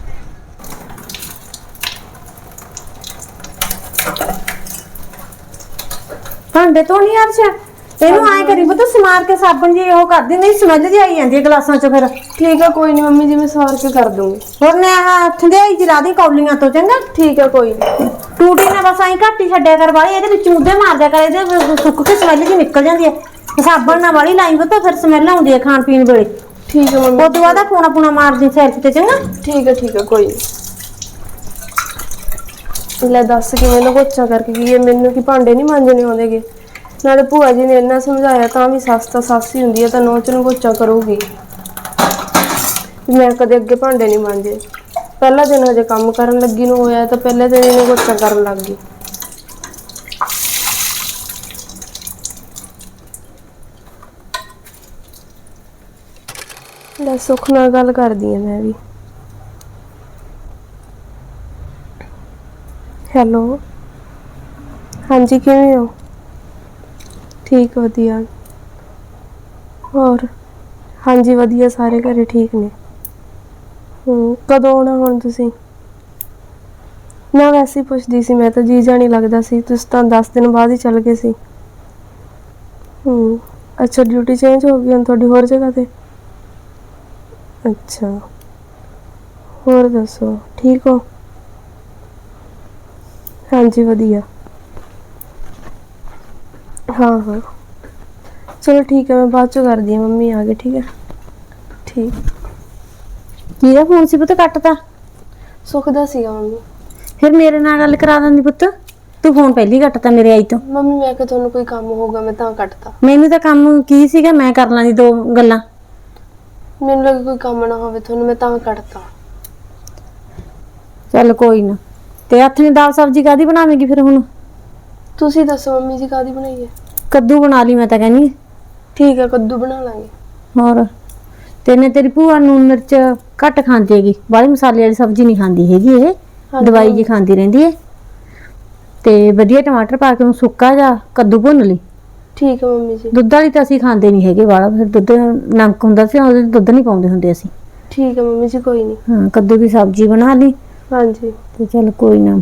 ਭਾਂਡੇ ਤੋਂ ਨਹੀਂ ਅਰਸ਼ ਇਹਨੂੰ ਐਂ ਕਰੀ ਪਤਾ ਸਮਾਰ ਕੇ ਸਾਬਣ ਜੀ ਉਹ ਕਰ ਦਿੰਦੀ, ਸਮੈਲ ਜੀ ਆਈ ਜਾਂਦੀ ਹੈ ਗਲਾਸਾਂ ਚ। ਫਿਰ ਠੀਕ ਆ ਕੋਈ ਨਹੀਂ ਮੰਮੀ ਜੀ, ਮੈਂ ਸਾਰ ਕੇ ਕਰ ਦੂੰਗੀ। ਹੋਰ ਨੇ ਆਹ ਠੰਡਿਆਈ ਜੀ ਲਾ ਦੀ ਕੌਲੀਆਂ ਤੋਂ, ਚੰਗਾ। ਠੀਕ ਆ ਕੋਈ ਨਹੀਂ। ਟੂਟੀ ਨੇ ਬਸ ਐਂ ਘੱਟ ਹੀ ਛੱਡਿਆ ਕਰ ਵਾਲੀ, ਇਹਦੇ ਵਿੱਚ ਮੁੱਦੇ ਮਾਰ ਦਿਆ ਕਰ, ਇਹਦੇ ਸੁੱਕ ਕੇ ਸਮੈਲ ਜੀ ਨਿਕਲ ਜਾਂਦੀ ਹੈ। ਸਾਬਣ ਨਾਲ ਵਾਲੀ ਲਾਈ ਪਤਾ ਫਿਰ ਸਮੈਲ ਆਉਂਦੀ ਹੈ ਖਾਣ ਪੀਣ ਵੇਲੇ। ਠੀਕ ਆ ਮੰਮੀ। ਉਹ ਤੋਂ ਬਾਅਦ ਪੂਣਾ ਪੂਣਾ ਮਾਰਦੀ ਸਿਰ ਤੇ, ਚੰਗਾ। ਠੀਕ ਆ ਠੀਕ ਆ ਕੋਈ ਨਹੀਂ। ਲੈ ਦੱਸ ਕਿਵੇਂ ਲਗੋਚਾ ਕਰਕੇ ਕੀ ਹੈ, ਮੈਨੂੰ ਕੀ ਭਾਂਡੇ ਨਹੀਂ ਮਾਂਜਣੇ ਆਉਂਦੇਗੇ। ਨਾਲੇ ਭੂਆ ਜੀ ਨੇ ਇੰਨਾ ਸਮਝਾਇਆ ਤਾਂ ਵੀ ਸੱਸ ਤਾਂ ਸੱਸ ਹੀ ਹੁੰਦੀ ਹੈ, ਤਾਂ ਨੌਂ ਚ ਲਗੋਚਾ ਕਰੂਗੀ। ਮੈਂ ਕਦੇ ਅੱਗੇ ਭਾਂਡੇ ਨਹੀਂ ਮਾਂਜੇ। ਪਹਿਲਾ ਦਿਨ ਹਜੇ ਕੰਮ ਕਰਨ ਲੱਗੀ ਨੂੰ ਹੋਇਆ ਤਾਂ ਪਹਿਲੇ ਦਿਨ ਹੀ ਲਗੋਚਾ ਕਰਨ ਲੱਗ ਗਈ। ਲੈ ਸੁੱਖ ਨਾਲ ਗੱਲ ਕਰਦੀ ਆ ਮੈਂ ਵੀ। ਹੈਲੋ, ਹਾਂਜੀ ਕਿਵੇਂ ਹੋ? ਠੀਕ ਵਧੀਆ। ਹੋਰ ਹਾਂਜੀ ਵਧੀਆ, ਸਾਰੇ ਘਰੇ ਠੀਕ ਨੇ। ਹੂੰ ਕਦੋਂ ਆਉਣਾ ਹੁਣ ਤੁਸੀਂ? ਨਾ ਵੈਸੇ ਹੀ ਪੁੱਛਦੀ ਸੀ ਮੈਂ ਤਾਂ, ਜੀ ਜਾ ਨਹੀਂ ਲੱਗਦਾ ਸੀ, ਤੁਸੀਂ ਤਾਂ ਦਸ ਦਿਨ ਬਾਅਦ ਹੀ ਚੱਲ ਗਏ ਸੀ। ਹੂੰ ਅੱਛਾ, ਡਿਊਟੀ ਚੇਂਜ ਹੋ ਗਈ ਹੁਣ ਤੁਹਾਡੀ ਹੋਰ ਜਗ੍ਹਾ ਤੇ? ਅੱਛਾ, ਹੋਰ ਦੱਸੋ ਠੀਕ ਹੋ? ਹਾਂਜੀ ਵਧੀਆ। ਹਾਂ ਹਾਂ ਚਲੋ ਠੀਕ ਹੈ, ਮੈਂ ਬਾਅਦ ਚੋਂ ਕਰਦੀ ਹਾਂ, ਮੰਮੀ ਆ ਗਏ। ਠੀਕ ਹੈ ਠੀਕ। ਕਿਹਦਾ ਫੋਨ ਸੀ ਪੁੱਤ ਕੱਟਤਾ? ਸੁੱਖ ਦਾ ਸੀਗਾ ਮੰਮੀ। ਫਿਰ ਮੇਰੇ ਨਾਲ ਗੱਲ ਕਰਾ ਦਿੰਦੀ ਪੁੱਤ, ਤੂੰ ਫੋਨ ਪਹਿਲੀ ਕੱਟਤਾ ਮੇਰੇ ਆਈ ਤੋਂ। ਮੰਮੀ ਮੈਂ ਕਿਹਾ ਤੁਹਾਨੂੰ ਕੋਈ ਕੰਮ ਹੋਊਗਾ ਮੈਂ ਤਾਂ ਕੱਟਤਾ। ਮੈਨੂੰ ਤਾਂ ਕੰਮ ਕੀ ਸੀਗਾ, ਮੈਂ ਕਰ ਲਾਂਦੀ ਦੋ ਗੱਲਾਂ। ਮੈਨੂੰ ਲੱਗਾ ਕੋਈ ਕੰਮ ਨਾ ਹੋਵੇ ਤੁਹਾਨੂੰ, ਮੈਂ ਤਾਂ ਕੱਟਤਾ। ਚੱਲ ਕੋਈ ਨਾ। ਤੇ ਹੱਥ ਨੇ ਦਾਲ ਸਬਜ਼ੀ ਕਾਦੀ ਬਣਾਵੇਂਗੀ ਫਿਰ ਹੁਣ? ਤੁਸੀਂ ਦੱਸੋ ਮੰਮੀ ਜੀ ਕਾਦੀ ਬਣਾਈ ਹੈ? ਕੱਦੂ ਬਣਾ ਲਈ ਮੈਂ ਤਾਂ ਕਹਿੰਦੀ। ਠੀਕ ਹੈ ਕੱਦੂ ਬਣਾ ਲਾਂਗੇ। ਹੋਰ ਤੇਨੇ ਤੇਰੀ ਭੂਆ ਨੂਨ ਮਿਰਚ ਘੱਟ ਖਾਂਦੀ ਹੈਗੀ, ਬਾਹਲੀ ਮਸਾਲੇ ਵਾਲੀ ਸਬਜ਼ੀ ਨਹੀਂ ਖਾਂਦੀ ਹੈਗੀ, ਇਹ ਦਵਾਈ ਜੀ ਖਾਂਦੀ ਰਹਿੰਦੀ ਹੈ। ਤੇ ਵਧੀਆ ਟਮਾਟਰ ਪਾ ਕੇ ਉਹਨੂੰ ਸੁੱਕਾ ਜਾਂ ਕੱਦੂ ਭੁੰਨ ਲਈ। ਠੀਕ ਹੈ ਮੰਮੀ ਜੀ। ਦੁੱਧ ਵਾਲੀ ਤਾਂ ਅਸੀਂ ਖਾਂਦੇ ਨਹੀਂ ਹੈਗੇ ਵਾਲਾ, ਫਿਰ ਦੁੱਧ ਨਮਕ ਹੁੰਦਾ ਸੀ, ਉਹਦੇ ਦੁੱਧ ਨਹੀਂ ਪਾਉਂਦੇ ਹੁੰਦੇ ਅਸੀਂ। ਠੀਕ ਹੈ ਮੰਮੀ ਜੀ ਕੋਈ ਨਹੀਂ। ਹਾਂ ਕੱਦੂ ਦੀ ਸਬਜ਼ੀ ਬਣਾ ਲਈ। ਹਾਂਜੀ ਤੇ ਚੱਲ ਕੋਈ ਨਾ।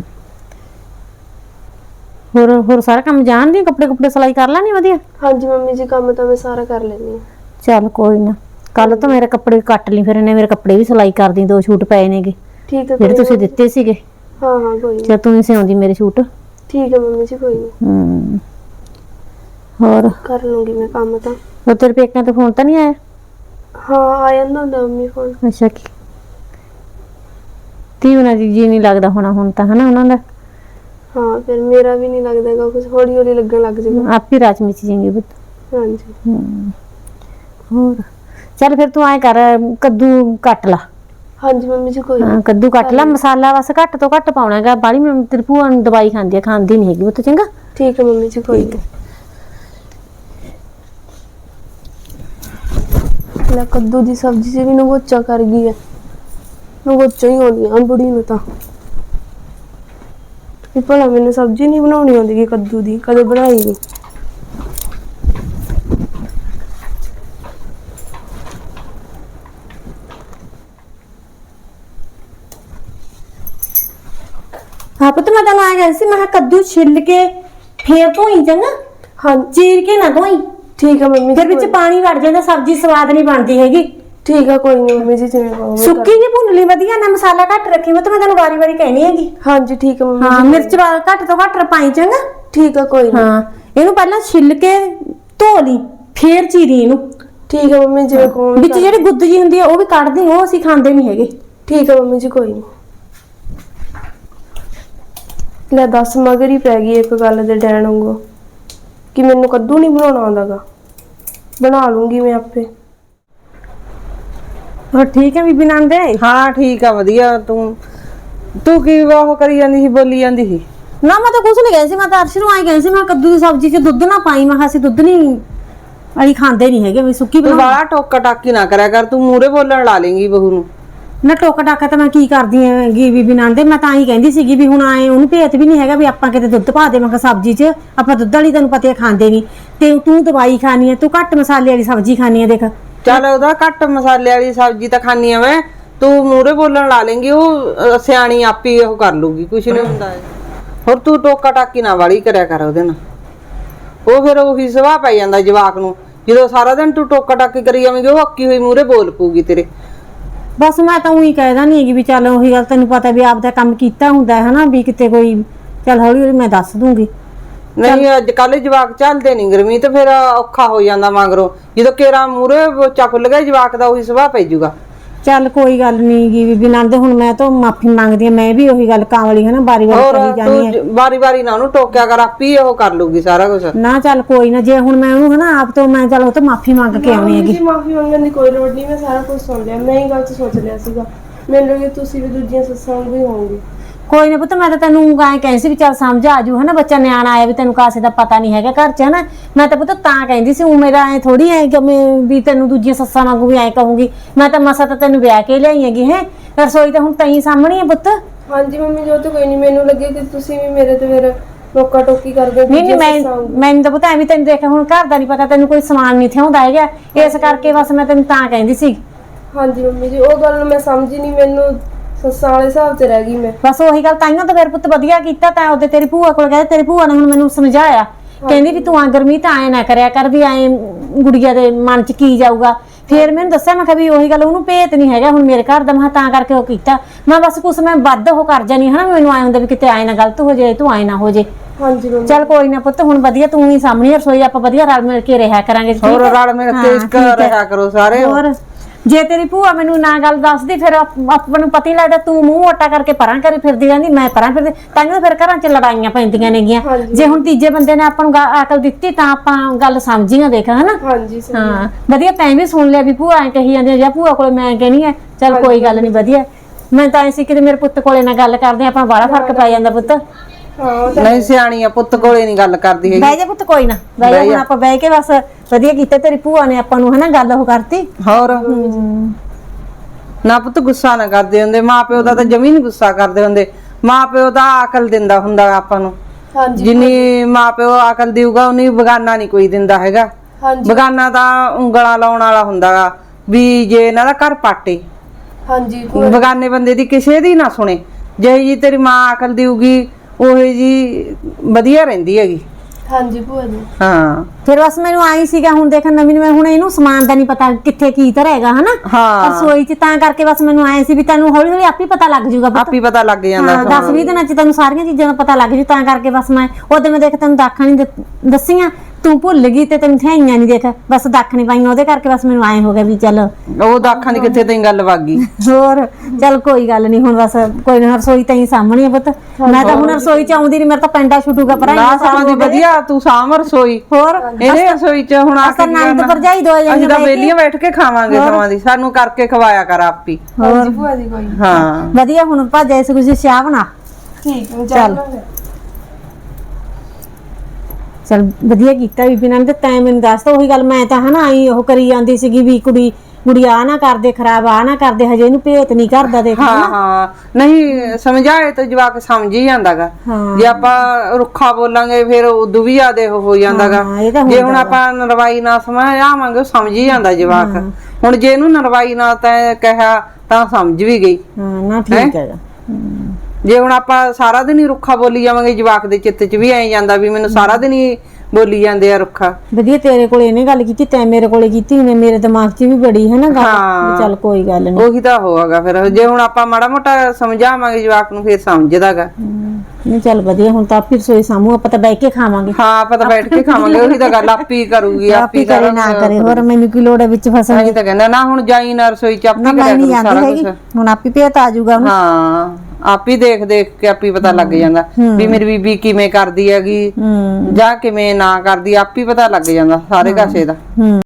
ਹੋਰ ਹੋਰ ਸਾਰਾ ਕੰਮ ਜਾਣਦੀ, ਕੱਪੜੇ ਕੁਪੜੇ ਸਿਲਾਈ ਕਰ ਲੈਣੀ ਵਧੀਆ? ਹਾਂਜੀ ਮੰਮੀ ਜੀ ਕੰਮ ਤਾਂ ਮੈਂ ਸਾਰਾ ਕਰ ਲੈਂਦੀ ਹਾਂ। ਚੱਲ ਕੋਈ ਨਾ, ਕੱਲ ਤੋਂ ਮੇਰੇ ਕੱਪੜੇ ਕੱਟ ਲਈ, ਫਿਰ ਇਹਨੇ ਮੇਰੇ ਕੱਪੜੇ ਵੀ ਸਿਲਾਈ ਕਰਦੀ, ਦੋ ਸੂਟ ਪਏ ਨੇਗੇ ਠੀਕ ਹੈ ਜਿਹੜੇ ਤੁਸੀਂ ਦਿੱਤੇ ਸੀਗੇ। ਹਾਂ ਹਾਂ ਕੋਈ ਨਹੀਂ। ਜੇ ਤੂੰ ਹੀ ਸਿਉਂਦੀ ਮੇਰੇ ਸੂਟ। ਠੀਕ ਹੈ ਮੰਮੀ ਜੀ ਕੋਈ ਨਹੀਂ। ਹੂੰ ਹੋਰ ਕਰ ਲੂੰਗੀ ਮੈਂ ਕੰਮ ਤਾਂ। ਉਹ ਤੇਰੇ ਪੇਕਿਆਂ ਤੋਂ ਫੋਨ ਤਾਂ ਨਹੀਂ ਆਇਆ? ਹਾਂ ਆ ਜਾਂਦਾ ਹੁੰਦਾ ਮੰਮੀ ਫੋਨ। ਅੱਛਾ ਕੀ ਧੀ ਉਹਨਾਂ ਦੀ ਜੀ ਨਹੀਂ ਲੱਗਦਾ ਹੋਣਾ ਹੁਣ ਤਾਂ ਹਨਾ ਉਹਨਾਂ ਦਾ। ਹਾਂ ਫਿਰ ਮੇਰਾ ਵੀ ਨਹੀਂ ਲੱਗਦਾਗਾ ਕੁਝ, ਹੌਲੀ ਹੌਲੀ ਲੱਗਣ ਲੱਗ ਜਾਊਗਾ। ਆਪ ਹੀ ਰਾਜ ਮਿਚ ਜਾਏंगे ਪੁੱਤ। ਹਾਂਜੀ ਹਮ, ਹੋਰ ਚੱਲ ਫਿਰ ਤੂੰ ਐ ਕਰ, ਕੱਦੂ ਕੱਟ ਲਾ। ਹਾਂਜੀ ਮੰਮੀ ਜੀ ਕੋਈ ਹਾਂ ਕੱਦੂ ਕੱਟ ਲਾ, ਮਸਾਲਾ ਬਸ ਘੱਟ ਤੋਂ ਘੱਟ ਪਾਉਣਾ ਹੈਗਾ, ਬਾਲੀ ਮੈਂ ਤੇਰੀ ਭੂਆ ਨੂੰ ਦਵਾਈ ਖਾਂਦੀ ਆ, ਖਾਂਦੀ ਨਹੀਂ ਹੈਗੀ ਪੁੱਤ, ਚੰਗਾ। ਠੀਕ ਹੈ ਮੰਮੀ ਜੀ ਕੋਈ ਨਹੀਂ। ਲੈ ਕੱਦੂ ਦੀ ਸਬਜ਼ੀ 'ਚ ਵੀ ਨਗੋਚਾ ਕਰ ਗਈ ਹੈ, ਨਗੋਚਾ ਹੀ ਆਉਂਦੀ ਆ ਬੁੜੀ ਨੂੰ ਤਾਂ। ਵੀ ਭਲਾ ਮੈਨੂੰ ਸਬਜ਼ੀ ਨਹੀਂ ਬਣਾਉਣੀ ਆਉਂਦੀ ਗੀ ਕੱਦੂ ਦੀ, ਕਦੇ ਬਣਾਈ ਨਹੀਂ। ਹਾਂ ਪੁੱਤ ਮੈਂ ਤੈਨੂੰ ਆ ਗਿਆ ਸੀ, ਮੈਂ ਕਿਹਾ ਕੱਦੂ ਛਿੱਲ ਕੇ ਫੇਰ ਧੋਈ, ਚੰਗਾ। ਹਾਂ ਚੀਰ ਕੇ ਨਾ ਧੋਈ, ਠੀਕ ਹੈ ਮੰਮੀ ਜੀ ਫਿਰ ਵਿੱਚ ਕੋਈ- ਪਾਣੀ ਵੜ ਜਾਂਦਾ, ਸਬਜ਼ੀ ਸਵਾਦ ਨਹੀਂ ਬਣਦੀ ਹੈਗੀ। ਠੀਕ ਹੈ ਕੋਈ ਨਹੀਂ ਮੰਮੀ ਜੀ ਜਿਵੇਂ ਕਹੋਗੇ। ਸੁੱਕੀ ਜੀ ਭੁੰਨ ਲਈ ਵਧੀਆ ਨਾ, ਮਸਾਲਾ ਘੱਟ ਰੱਖੀ, ਮੈਂ ਤਾਂ ਮੈਂ ਤੈਨੂੰ ਵਾਰੀ ਵਾਰੀ ਕਹਿਣੀ ਹੈਗੀ। ਹਾਂਜੀ ਠੀਕ ਹੈ ਮੰਮੀ ਹਾਂ ਜੀ ਮਿਰਚ ਵਾ- ਘੱਟ ਤੋਂ ਘੱਟ ਪਾਈ, ਚੰਗਾ। ਠੀਕ ਹੈ ਕੋਈ ਨਹੀਂ। ਹਾਂ ਇਹਨੂੰ ਪਹਿਲਾਂ ਛਿੱਲ ਕੇ ਧੋ ਲਈ, ਫੇਰ ਚੀਰੀ ਇਹਨੂੰ। ਠੀਕ ਹੈ ਮੰਮੀ ਜਿਵੇਂ ਕਹੋਗੇ। ਵਿੱਚ ਜਿਹੜੀ ਗੁੱਦ ਜੀ ਹੁੰਦੀ ਆ ਉਹ ਵੀ ਕੱਢ ਦੇ, ਉਹ ਅਸੀਂ ਖਾਂਦੇ ਨਹੀਂ ਹੈਗੇ। ਠੀਕ ਹੈ ਮੰਮੀ ਜੀ ਕੋਈ ਨਹੀਂ। ਲੈ ਦੱਸ ਮਗਰ ਹੀ ਪੈ ਗਈ ਇੱਕ ਗੱਲ ਦੇ ਡੈਣ ਵਾਂਗੂ ਕਿ ਮੈਨੂੰ ਕੱਦੂ ਨਹੀਂ ਬਣਾਉਣਾ ਆਉਂਦਾਗਾ, ਬਣਾ ਲੂੰਗੀ ਮੈਂ ਆਪੇ। ਹੋਰ ਠੀਕ ਹੈ ਬੀਬੀ ਨੰਦੇ? ਹਾਂ ਠੀਕ ਆ ਵਧੀਆ। ਤੂੰ ਤੂੰ ਕੀ ਉਹ ਕਰੀ ਜਾਂਦੀ ਸੀ, ਬੋਲੀ ਜਾਂਦੀ ਸੀ? ਨਾ ਮੈਂ ਤਾਂ ਕੁਝ ਨਹੀਂ ਕਹਿੰਦੀ ਸੀ, ਮੈਂ ਤਾਂ ਅਰਸ਼ ਨੂੰ ਆਈ ਕਹਿੰਦੀ ਸੀ, ਮੈਂ ਕੱਦੂ ਦੀ ਸਬਜ਼ੀ 'ਚ ਦੁੱਧ ਨਾ ਪਾਈ, ਮੈਂ ਕਿਹਾ ਅਸੀਂ ਦੁੱਧ ਨਹੀਂ ਅਸੀਂ ਖਾਂਦੇ ਨਹੀਂ ਹੈਗੇ, ਵੀ ਸੁੱਕੀ ਤੂੰ ਬਣਾ। ਵਾਲਾ ਟੋਕਾ ਟਾਕੀ ਨਾ ਕਰਿਆ ਕਰ, ਤੂੰ ਮੂਹਰੇ ਬੋਲਣ ਲਾ ਲੇਂਗੀ ਬਹੂ ਨੂੰ। ਨਾ ਟੋਕਾ ਟਾਕਾ ਤਾਂ ਮੈਂ ਕੀ ਕਰਦੀ ਹੈਗੀ ਬੀਬੀ ਨੰਦੇ, ਮੈਂ ਤਾਂ ਹੀ ਕਹਿੰਦੀ ਸੀਗੀ ਵੀ ਹੁਣ ਆਏ ਉਹਨੂੰ ਭੇਤ ਵੀ ਨਹੀਂ ਹੈਗਾ ਵੀ ਆਪਾਂ ਕਿਤੇ ਦੁੱਧ ਪਾ ਦੇਵਾਂਗੇ ਸਬਜ਼ੀ 'ਚ, ਆਪਾਂ ਦੁੱਧ ਵਾਲੀ ਤੈਨੂੰ ਪਤਾ ਖਾਂਦੇ ਨਹੀਂ, ਤੇ ਤੂੰ ਦਵਾਈ ਖਾਣੀ ਹੈ, ਤੂੰ ਘੱਟ ਮਸਾਲੇ ਵਾਲੀ ਸਬਜ਼ੀ ਖਾਣੀ ਹੈ, ਦੇਖ। ਚੱਲ ਉਹਦਾ ਘੱਟ ਮਸਾਲੇ ਵਾਲੀ ਸਬਜ਼ੀ ਤਾਂ ਖਾਣੀ ਆ ਮੈਂ, ਤੂੰ ਮੂਹਰੇ ਬੋਲਣ ਲਾ ਲੇਂਗੀ, ਉਹ ਅਹ, ਸਿਆਣੀ ਆਪੀ ਉਹ ਕਰ ਲੂਗੀ, ਕੁਛ ਨਹੀਂ ਹੁੰਦਾ। ਹੋਰ ਤੂੰ ਟੋਕਾ ਟਾਕੀ ਨਾ ਵਾਲੀ ਕਰਿਆ ਕਰ ਉਹਦੇ ਨਾਲ, ਉਹ ਫਿਰ ਉਹੀ ਸੁਭਾਅ ਪੈ ਜਾਂਦਾ ਜਵਾਕ ਨੂੰ। ਜਦੋਂ ਸਾਰਾ ਦਿਨ ਤੂੰ ਟੋਕਾ ਟਾਕੀ ਕਰੀ ਜਾਵੇਂਗੀ, ਉਹ ਅੱਕੀ ਹੋਈ ਮੂਹਰੇ ਬੋਲ ਪਊਗੀ ਤੇਰੇ। ਬਸ ਮੈਂ ਤਾਂ ਉਹੀ ਕਹਿਦਾ ਨਹੀਂ ਹੈਗੀ ਵੀ ਚੱਲ ਉਹੀ ਗੱਲ, ਤੈਨੂੰ ਪਤਾ ਵੀ ਆਪਦਾ ਕੰਮ ਕੀਤਾ ਹੁੰਦਾ ਹੈ ਹਨਾ, ਵੀ ਕਿਤੇ ਕੋਈ ਚੱਲ ਹੌਲੀ ਹੌਲੀ ਮੈਂ ਦੱਸ ਦੂੰਗੀ। ਨਹੀਂ ਅੱਜ ਕੱਲ ਜਵਾਕ ਚੱਲਦੇ ਨਹੀਂ ਗਰਮੀ ਤੇ ਫਿਰ ਔਖਾ ਹੋ ਜਾਂਦਾ ਮਗਰੋਂ, ਜਦੋਂ ਕੇਰਾ ਮੂਹਰੇ ਬੱਚਾ ਖੁੱਲ ਗਿਆ ਜਵਾਕ ਦਾ ਉਹੀ ਸੁਭਾਅ ਪੈ ਜਾਊਗਾ। ਚੱਲ ਕੋਈ ਗੱਲ ਨਹੀਂ ਗੀ ਬੀਬੀ ਨੰਦ, ਹੁਣ ਮੈਂ ਤਾਂ ਮਾਫੀ ਮੰਗਦੀ ਆ, ਮੈਂ ਵੀ ਉਹੀ ਗੱਲ ਕਾਂਵਲੀ ਹਨਾ ਬਾਰੀ ਵਾਰੀ ਹੋਰ ਕਹੀ ਜਾਣੀ ਹੈ। ਤੂੰ ਵਾਰੀ ਵਾਰੀ ਨਾ ਉਹਨੂੰ ਟੋਕਿਆ ਕਰ, ਆਪੀ ਉਹ ਕਰ ਲੂਗੀ ਸਾਰਾ ਕੁਝ। ਨਾ ਚੱਲ ਕੋਈ ਨਾ, ਜੇ ਹੁਣ ਮੈਂ ਉਹਨੂੰ ਹਨਾ ਆਪ ਤੋਂ ਮੈਂ ਚੱਲ ਉਹ ਤੋਂ ਮਾਫੀ ਮੰਗ ਕੇ ਆਉਣੀ ਹੈਗੀ। ਜੀ ਮਾਫੀ ਮੰਗਣ ਦੀ ਕੋਈ ਲੋੜ ਨਹੀਂ, ਮੈਂ ਸਾਰਾ ਕੁਝ ਸੁਣ ਲਿਆ, ਮੈਂ ਹੀ ਗਲਤ ਸੋਚ ਲਿਆ ਸੀਗਾ। ਮੈਨੂੰ ਲੱਗੇ ਤੁਸੀਂ ਵੀ ਦੂਜੀਆਂ ਸੱਸਾਂ ਵਾਂਗੂ ਹੀ ਹੋਵੋਗੇ। ਕੋਈ ਨਾ ਪੁੱਤ, ਮੈਂ ਤਾਂ ਤੈਨੂੰ ਐਂ ਕਹਿੰਦੀ ਸੀ ਵੀ ਚੱਲ ਸਮਝ ਆ ਜੂ ਹਨਾ, ਬੱਚਾ ਨਿਆਣਾ ਆਇਆ ਵੀ ਤੈਨੂੰ ਕਾਸੇ ਦਾ ਪਤਾ ਨਹੀਂ ਹੈਗਾ ਘਰ 'ਚ ਹਨਾ। ਮੈਂ ਤਾਂ ਪੁੱਤ ਤਾਂ ਕਹਿੰਦੀ ਸੀ, ਉਹ ਮੇਰਾ ਐ ਥੋੜੀ ਐ ਕਿ ਮੈਂ ਵੀ ਤੈਨੂੰ ਦੂਜੀਆਂ ਸੱਸਾਂ ਵਾਂਗੂ ਵੀ ਐਂ ਕਹੂੰਗੀ। ਮੈਂ ਤਾਂ ਮਸਾ ਤਾਂ ਤੈਨੂੰ ਵਿਆਹ ਕੇ ਲਿਆਈ ਹੈਗੀ ਹੈ, ਰਸੋਈ ਤਾਂ ਹੁਣ ਤੈਂ ਸਾਹਮਣੇ ਹੈ ਪੁੱਤ। ਹਾਂਜੀ ਮੰਮੀ ਜੀ ਉਹ ਤਾਂ ਕੋਈ ਨਹੀਂ, ਮੈਨੂੰ ਲੱਗੇ ਕਿ ਤੁਸੀਂ ਵੀ ਮੇਰੇ ਤੇ ਫਿਰ ਟੋਕਾ ਟੋਕੀ ਕਰਦੇ ਹੋ ਨਹੀਂ ਨਹੀਂ ਦੂਜੀਆਂ ਮੈਂ ਸੱਸਾਂ ਵਾਂਗੂ। ਮੈਨੂੰ ਤਾਂ ਪਤਾ ਐਵੇਂ, ਤੈਨੂੰ ਦੇਖਿਆ ਹੁਣ ਘਰ ਦਾ ਨਹੀਂ ਪਤਾ, ਤੈਨੂੰ ਕੋਈ ਸਮਾਨ ਨਹੀਂ ਥਿਆਉਂਦਾ ਹੈਗਾ, ਇਸ ਕਰਕੇ ਬਸ ਮੈਂ ਤੈਨੂੰ ਤਾਂ ਕਹਿੰਦੀ ਸੀ। ਹਾਂਜੀ ਮੰਮੀ ਜੀ ਉਹ ਗੱਲ ਨੂੰ ਮੈਂ ਸਮਝੀ ਨਹੀਂ, ਮੈਨੂੰ ਸੱਸਾਂ ਵਾਲੇ ਹਿਸਾਬ ਤੇ ਰਹਿ ਗਈ ਮੈਂ। ਬਸ ਉਹੀ ਗੱਲ, ਤਾਈਆਂ ਤਾਂ ਫਿਰ ਪੁੱਤ ਵਧੀਆ ਕੀਤਾ ਤਾਂ ਉਹਦੇ ਤੇਰੀ ਭੂਆ ਕੋਲ ਗਏ, ਤੇਰੀ ਭੂਆ ਨੇ ਹੁਣ ਮੈਨੂੰ ਸਮਝਾਇਆ, ਕਹਿੰਦੀ ਵੀ ਤੂੰ ਆ ਗਰਮੀ ਤਾਂ ਐ ਨਾ ਕਰਿਆ ਕਰ, ਵੀ ਐ ਗੁੜੀਆ ਦੇ ਮਨ 'ਚ ਕੀ ਜਾਊਗਾ। ਫਿਰ ਮੈਨੂੰ ਦੱਸਿਆ, ਮੈਂ ਕਿਹਾ ਵੀ ਉਹੀ ਗੱਲ, ਉਹਨੂੰ ਭੇਤ ਨਹੀਂ ਹੈਗਾ ਹੁਣ ਮੇਰੇ ਘਰ ਦਾ, ਮੈਂ ਤਾਂ ਕਰਕੇ ਉਹ ਕੀਤਾ। ਮੈਂ ਬਸ ਕੁਛ ਮੈਂ ਵੱਧ ਉਹ ਕਰ ਜਾਨੀ ਹਨਾ, ਮੈਨੂੰ ਆਏ ਹੁੰਦਾ ਵੀ ਕਿਤੇ ਆਏ ਨਾ ਗਲਤ ਹੋ ਜਾਏ, ਤੂੰ ਆਏ ਨਾ ਹੋ ਜੇ। ਹਾਂਜੀ ਮੰਮੀ ਚੱਲ ਕੋਈ ਨਾ ਪੁੱਤ, ਹੁਣ ਵਧੀਆ ਤੂੰ ਹੀ ਸਾਹਮਣੇ ਰਸੋਈ, ਆਪਾਂ ਵਧੀਆ ਰਲ ਮਿਲ ਕੇ ਰਿਹਾ ਕਰਾਂਗੇ। ਠੀਕ ਹੋਰ ਹੈ? ਰਲ ਮਿਲ ਹਾਂ, ਕੇ ਇੱਕ ਠੀਕ ਹੈ। ਰਿਹਾ ਕਰੋ ਸਾਰੇ। ਹੋਰ ਜੇ ਤੇਰੀ ਭੂਆ ਮੈਨੂੰ ਨਾ ਗੱਲ ਦੱਸਦੀ, ਫਿਰ ਆਪ- ਆਪਾਂ ਨੂੰ ਪਤਾ ਹੀ ਲੱਗਦਾ, ਤੂੰ ਮੂੰਹ ਮੋਟਾ ਕਰਕੇ ਪਰਾਂ ਕਰੀ ਫਿਰਦੀ ਰਹਿੰਦੀ, ਮੈਂ ਪਰਾਂ ਫਿਰਦੀ, ਤਾਂ ਫਿਰ ਘਰਾਂ 'ਚ ਲੜਾਈਆਂ ਪੈਂਦੀਆਂ ਨੇਗੀਆਂ। ਹਾਂਜੀ। ਜੇ ਹੁਣ ਤੀਜੇ ਬੰਦੇ ਨੇ ਆਪਾਂ ਨੂੰ ਗਾ- ਅਕਲ ਦਿੱਤੀ ਤਾਂ ਆਪਾਂ ਗੱਲ ਸਮਝੀਆਂ, ਦੇਖ ਹਨਾ। ਹਾਂਜੀ ਸਹੀ। ਹਾਂ ਵਧੀਆ, ਤੈਂ ਵੀ ਸੁਣ ਲਿਆ ਵੀ ਭੂਆ ਐ ਕਹੀ ਜਾਂਦੀ ਆ, ਜਾਂ ਭੂਆ ਕੋਲੇ ਮੈਂ ਕਹਿਣੀ ਆ, ਚੱਲ ਕੋਈ ਗੱਲ ਨਹੀਂ ਵਧੀਆ। ਮੈਂ ਤਾਂ ਐ ਸੀ ਕਿ ਮੇਰੇ ਪੁੱਤ ਕੋਲੇ ਨਾਲ ਗੱਲ ਕਰਦੇ ਆਪਾਂ, ਬੜਾ ਫਰਕ ਪੈ ਜਾਂਦਾ ਪੁੱਤ। ਹਾਂ ਉਹ ਤਾਂ ਨਹੀਂ ਸਿਆਣੀ ਆ, ਪੁੱਤ ਕੋਲੇ ਨਹੀਂ ਗੱਲ ਕਰਦੀ ਹੈਗੀ। ਬਹਿ ਜਾ ਪੁੱਤ, ਕੋਈ ਨਾ ਬਹਿ ਜਾ, ਹੁਣ ਆਪਾਂ ਬਹਿ ਕੇ ਬਸ ਵਧੀਆ ਕੀਤਾ, ਤੇਰੀ ਭੂਆ ਨੇ ਆਪਾਂ ਨੂੰ ਹਨਾ ਗੱਲ ਉਹ ਕਰਤੀ। ਹੋਰ ਨਾ ਪੁੱਤ ਗੁੱਸਾ ਨਾ ਕਰਦੇ ਹੁੰਦੇ, ਮਾਂ ਪਿਓ ਦਾ ਤਾਂ ਜਮੀ ਨੀ ਗੁੱਸਾ ਕਰਦੇ ਹੁੰਦੇ। ਮਾਂ ਪਿਓ ਦਾ ਅਕਲ ਦਿੰਦਾ ਹੁੰਦਾ ਆਪਾਂ ਨੂੰ, ਹਾਂਜੀ ਜਿੰਨੀ ਮਾਂ ਪਿਓ ਅਕਲ ਦੇਊਗਾ ਉਨੀ ਬਗਾਨਾ ਨਹੀਂ ਕੋਈ ਦਿੰਦਾ ਹੈਗਾ। ਹਾਂਜੀ ਬਗਾਨਾ ਤਾਂ ਉਂਗਲਾਂ ਲਾਉਣ ਵਾਲਾ ਹੁੰਦਾ ਗਾ, ਵੀ ਜੇ ਇਹਨਾਂ ਦਾ ਘਰ ਪਾਟੇ, ਹਾਂਜੀ ਬਗਾਨੇ ਬੰਦੇ ਦੀ ਕਿਸੇ ਦੀ ਨਾ ਸੁਣੇ। ਜਿਹੀ ਜੀ ਤੇਰੀ ਮਾਂ ਅਕਲ ਦੇਊਗੀ ਉਹੀ ਜੀ ਵਧੀਆ ਰਹਿੰਦੀ ਹੈਗੀ। ਹਾਂਜੀ ਭੂਆ ਜੀ। ਹਾਂ ਫਿਰ ਬਸ ਮੈਨੂੰ ਆਈ ਸੀਗਾ ਹੁਣ ਦੇਖ ਨਵੀਂ ਨੂੰ ਮੈਂ ਹੁਣ ਇਹਨੂੰ ਸਮਾਨ ਦਾ ਨਹੀਂ ਪਤਾ ਕਿੱਥੇ ਕੀ ਧਰੇਗਾ ਹਨਾ ਹਾਂ ਰਸੋਈ ਚ ਤਾਂ ਕਰਕੇ ਬਸ ਮੈਨੂੰ ਆਏ ਸੀ ਵੀ ਤੈਨੂੰ ਹੌਲੀ ਹੌਲੀ ਆਪੇ ਪਤਾ ਲੱਗ ਜੂਗਾ ਪੁੱਤ। ਆਪੀ ਪਤਾ ਲੱਗ ਜਾਂਦਾ ਹਾਂ ਦਸ ਵੀਹ ਦਿਨਾਂ ਚ ਤੈਨੂੰ ਸਾਰੀਆਂ ਚੀਜ਼ਾਂ ਦਾ ਪਤਾ ਲੱਗ ਜੂ ਤਾਂ ਕਰਕੇ ਬਸ ਮੈਂ ਉਹਦੇ ਮੈਂ ਦੇਖ ਤੈਨੂੰ ਦਾਖਾਂ ਨਹੀਂ ਦੱਸੀਆਂ ਤੂੰ ਭੁੱਲ ਗਈ ਤੇ ਤੈਨੂੰ ਥਾਈਆਂ ਨਹੀਂ ਦੇਖ ਬਸ ਦੱਖ ਨਹੀਂ ਪਾਈਆਂ ਉਹਦੇ ਕਰਕੇ ਬਸ ਮੈਨੂੰ ਆਏ ਹੋ ਗਿਆ ਵੀ ਚੱਲ ਉਹ ਦਾਖਾਂ ਦੀ ਕਿੱਥੇ ਤੈਨੂੰ ਗੱਲ ਵਗ ਗਈ। ਹੋਰ ਚੱਲ ਕੋਈ ਗੱਲ ਨਹੀਂ ਹੁਣ ਬਸ ਕੋਈ ਨਾ ਰਸੋਈ ਤਾਂ ਹੀ ਸਾਹਮਣੇ ਆ ਪੁੱਤ ਮੈਂ ਤਾਂ ਹੁਣ ਰਸੋਈ ਚ ਆਉਂਦੀ ਨਹੀਂ ਮੇਰੇ ਤਾਂ ਪੈਂਡਾ ਛੁੱਟੂਗਾ ਪਰ ਨਾ ਸਮਾਂ ਦੀ ਵਧੀਆ ਤੂੰ ਸਾਂਭ ਰਸੋਈ ਹੋਰ ਇਹਨੇ ਰਸੋਈ ਚ ਹੁਣ ਆ ਕੇ ਨੰਦ ਭਰਜਾਈ ਦੋ ਅਸੀਂ ਜਣੇ ਤਾਂ ਵੇਲੀਆਂ ਬੈਠ ਕੇ ਖਾਵਾਂਗੇ ਸਮਾਂ ਦੀ ਸਾਨੂੰ ਕਰਕੇ ਖਵਾਇਆ ਕਰ ਆਪੀ ਹਾਂਜੀ ਭੂਆ ਜੀ ਕੋਈ ਨੀ। ਹਾਂ ਵਧੀਆ ਹੁਣ ਭੱਜ ਐਸੇ ਕੁਝ ਚਾਹ ਬਣਾ ਠੀਕ ਹੈ ਚੱਲ ਚਲ ਵਧੀਆ ਕੀਤਾ ਬੀਬੀ ਨੇ ਤੇ ਤੈਂ ਮੈਨੂੰ ਦੱਸਤਾ ਉਹੀ ਗੱਲ ਮੈਂ ਤਾਂ ਹਨਾ ਆਈ ਉਹ ਕਰੀ ਜਾਂਦੀ ਸੀਗੀ ਵੀ ਕੁੜੀ ਕੁੜੀ ਆ ਨਾ ਕਰਦੇ ਖਰਾਬ ਆ ਨਾ ਕਰਦੇ ਹਜੇ ਇਹਨੂੰ ਭੇਤ ਨਹੀਂ ਕਰਦਾ ਦੇਖ ਹਾਂ ਹਾਂ ਨਹੀਂ ਸਮਝਾਏ ਤਾਂ ਜਵਾਕ ਸਮਝ ਹੀ ਜਾਂਦਾਗਾ ਹਾਂ। ਜੇ ਆਪਾਂ ਰੁੱਖਾ ਬੋਲਾਂਗੇ ਫਿਰ ਉਦੋਂ ਵੀ ਜ਼ਿਆਦੇ ਉਹ ਹੋ ਜਾਂਦਾਗਾ ਹਾਂ, ਇਹ ਤਾਂ ਜੇ ਹੁੰਦਾ ਹੁਣ ਆਪਾਂ ਨਰਵਾਈ ਨਾ ਸਮਝਾਵਾਂਗੇ ਉਹ ਸਮਝ ਹੀ ਜਾਂਦਾ ਜਵਾਕ ਹੁਣ ਜੇ ਇਹਨੂੰ ਨਰਵਾਈ ਨਾ ਤੈਂ ਕਿਹਾ ਤਾਂ ਸਮਝ ਵੀ ਗਈ ਹਾਂ ਨਾ ਠੀਕ ਹੈਗਾ ਜੇ ਹੁਣ ਆਪਾਂ ਸਾਰਾ ਦਿਨ ਹੀ ਰੁੱਖਾ ਬੋਲੀ ਜਾਵਾਂਗੇ ਜਵਾਕ ਦੇ ਚਿੱਤ 'ਚ ਵੀ ਐਂ ਜਾਂਦਾ ਵੀ ਮੈਨੂੰ ਸਾਰਾ ਦਿਨ ਹੀ ਬੋਲੀ ਜਾਂਦੇ ਆ ਰੁੱਖਾ ਵਧੀਆ ਤੇਰੇ ਕੋਲੇ ਇਹਨੇ ਗੱਲ ਕੀਤੀ ਤੈਂ ਮੇਰੇ ਕੋਲੇ ਕੀਤੀ ਨੇ ਮੇਰੇ ਦਿਮਾਗ 'ਚ ਵੀ ਬੜੀ ਹੈ ਨਾ ਗੱਲ ਵੀ ਚੱਲ ਕੋਈ ਗੱਲ ਨਹੀਂ ਉਹੀ ਤਾਂ ਹੋਗਾ ਫਿਰ ਜੇ ਹੁਣ ਆਪਾਂ ਮਾੜਾ ਮੋਟਾ ਸਮਝਾਵਾਂਗੇ ਜਵਾਕ ਨੂੰ ਫਿਰ ਸਮਝਦਾਗਾ ਨਹੀਂ ਚੱਲ ਵਧੀਆ ਹੁਣ ਤਾਂ ਆਪੀ ਰਸੋਈ ਸਾਮੂ ਆਪਾਂ ਤਾਂ ਬਹਿ ਕੇ ਖਾਵਾਂਗੇ ਹਾਂ ਆਪਾਂ ਤਾਂ ਬੈਠ ਕੇ ਖਾਵਾਂਗੇ ਉਹੀ ਤਾਂ ਗੱਲ ਆਪੀ ਕਰੂਗੀ ਆਪੀ ਆਪੀ ਕਰੇ ਨਾ ਕਰੇ ਹੋਰ ਮੈਨੂੰ ਕੀ ਲੋੜ ਹੈ ਵਿੱਚ ਫਸਣ ਅਸੀਂ ਤਾਂ ਕਹਿੰਦਾ ਨਾ ਹੁਣ ਜਾਈ ਨਾ ਰਸੋਈ ਚ ਆਪੀ ਨਾ ਮੈਂ ਕਰਿਆ ਨਹੀਂ ਕਰੂ ਜਾਂਦੀ ਸਾਰਾ ਹੈਗੀ ਕੁਝ ਹੁਣ ਆਪੀ ਭੇਤ ਆ ਜਾਊਗਾ ਉਹਨੂੰ ਹਾਂ ਆਪੀ ਦੇਖ ਦੇਖ ਕੇ ਆਪੀ ਪਤਾ ਲੱਗ ਜਾਂਦਾ ਵੀ ਮੇਰੀ ਬੀਬੀ ਕਿਵੇਂ ਕਰਦੀ ਹੈਗੀ ਹੂੰ ਜਾਂ ਕਿਵੇਂ ਨਾ ਕਰਦੀ ਆਪੀ ਪਤਾ ਲੱਗ ਜਾਂਦਾ ਸਾਰੇ ਕਾਸੇ ਦਾ ਹੂੰ